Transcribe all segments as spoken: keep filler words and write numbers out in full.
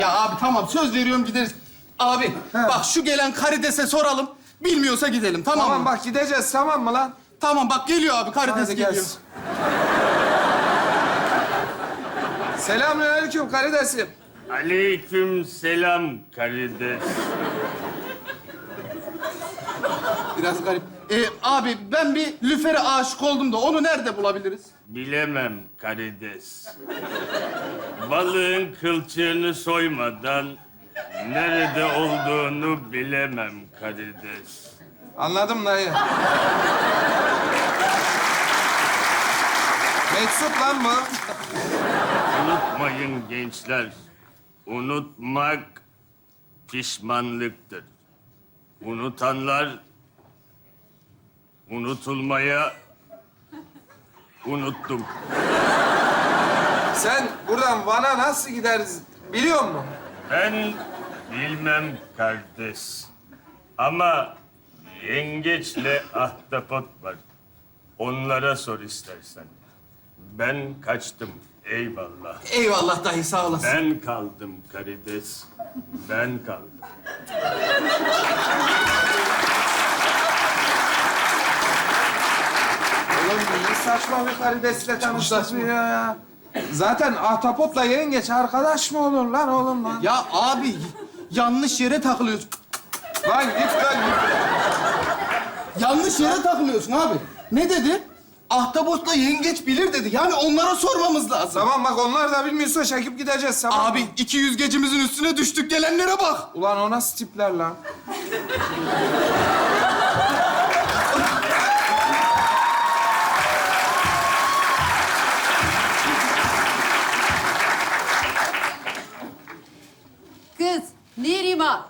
Ya abi tamam söz veriyorum gideriz. Abi He. bak şu gelen karidese soralım. Bilmiyorsa gidelim tamam, Tamam mı? bak gideceğiz tamam mı lan? Tamam bak geliyor abi karides Hadi geliyor. gelsin. Selamünaleyküm karidesim. Aleyküm selam karides. Biraz garip. Ee, abi ben bir lüfere aşık oldum da onu nerede bulabiliriz? Bilemem karides. Balığın kılçığını soymadan nerede olduğunu bilemem karides. Anladım dayı. Meczup lan bu. Unutmayın gençler. Unutmak pişmanlıktır. Unutanlar unutulmaya unuttum. Sen buradan Van'a nasıl gideriz biliyor musun? Ben bilmem kardeş. Ama yengeçle ahtapot var. Onlara sor istersen. Ben kaçtım. Eyvallah. Eyvallah dayı sağ olasın. Ben kaldım karides. Ben kaldım. Oğlum ne saçma bir karidesle tanıştık ya ya. Zaten ahtapotla yengeç arkadaş mı olur lan oğlum lan? Ya abi yanlış yere takılıyorsun. Lan git lan git. Yanlış yere takılıyorsun abi. Ne dedi? Ahtapotla yengeç bilir dedi. Yani onlara sormamız lazım. Tamam bak onlar da bilmiyorsa çekip gideceğiz tamam mı? Abi iki yüz gecimizin üstüne düştük gelenlere bak. Ulan o nasıl tipler lan? Kız, Neriman.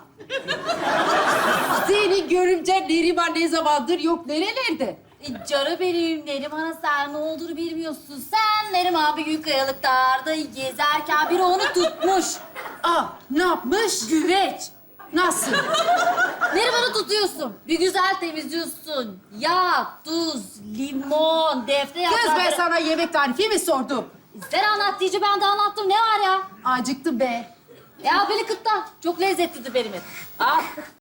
Seni görümce Neriman ne zamandır yok nerelerde? E, Canım benim, Neriman'a sen ne olduğunu bilmiyorsun. Sen Neriman bir gün kayalıklarda gezerken biri onu tutmuş. Aa, ne yapmış? Güveç. Nasıl? Neriman'ı tutuyorsun. Bir güzel temizliyorsun. Yağ, tuz, limon, defne Kız yaprağı. ben sana yemek tarifi mi sordum? Sen anlat diyece ben de anlattım. Ne var ya? Acıktım be. Ya beni kıtla. Çok lezzetlidir benim et. Al.